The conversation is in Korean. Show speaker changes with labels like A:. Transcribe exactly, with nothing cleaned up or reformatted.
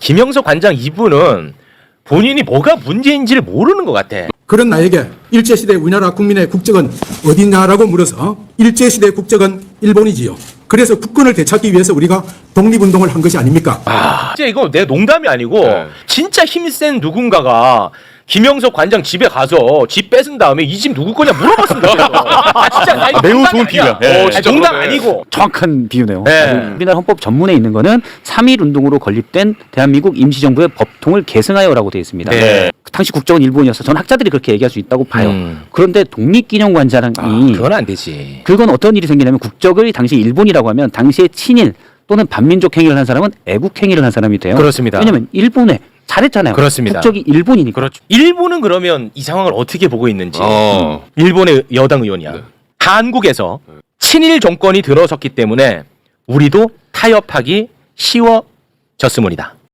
A: 김영석 관장 이분은 본인이 뭐가 문제인지를 모르는 것 같아.
B: 그런 나에게 일제시대 우리나라 국민의 국적은 어디냐라고 물어서 일제시대 국적은 일본이지요. 그래서 국권을 되찾기 위해서 우리가 독립운동을 한 것이 아닙니까?
A: 아, 진짜 이거 내 농담이 아니고
C: 네.
A: 진짜 힘센 누군가가 김영석 관장 집에 가서 집 뺏은 다음에 이 집 누구 거냐 물어봤습니다. 아 진짜 나 이거
C: 매우
A: 농담이
C: 좋은
A: 아니야.
C: 비유야. 예.
A: 어, 진짜 농담
C: 그러네.
A: 아니고.
D: 정확한 비유네요.
A: 네.
D: 우리나라 헌법 전문에 있는 거는 삼일 운동으로 건립된 대한민국 임시정부의 법통을 계승하여라고 되어 있습니다.
A: 네.
D: 당시 국적은 일본이어서 전 학자들이 그렇게 얘기할 수 있다고 봐요.
A: 음.
D: 그런데 독립기념관장이
A: 아, 그건 안 되지.
D: 그건 어떤 일이 생기냐면 국적을 당시 일본이라고 하면 당시에 친일 또는 반민족 행위를 한 사람은 애국 행위를 한 사람이 돼요.
A: 그렇습니다.
D: 왜냐하면 일본에 잘했잖아요.
A: 그렇습니다.
D: 국적이 일본이니까.
A: 그렇죠. 일본은 그러면 이 상황을 어떻게 보고 있는지.
C: 어.
A: 일본의 여당 의원이야.
C: 네.
A: 한국에서 친일 정권이 들어섰기 때문에 우리도 타협하기 쉬워졌음이다.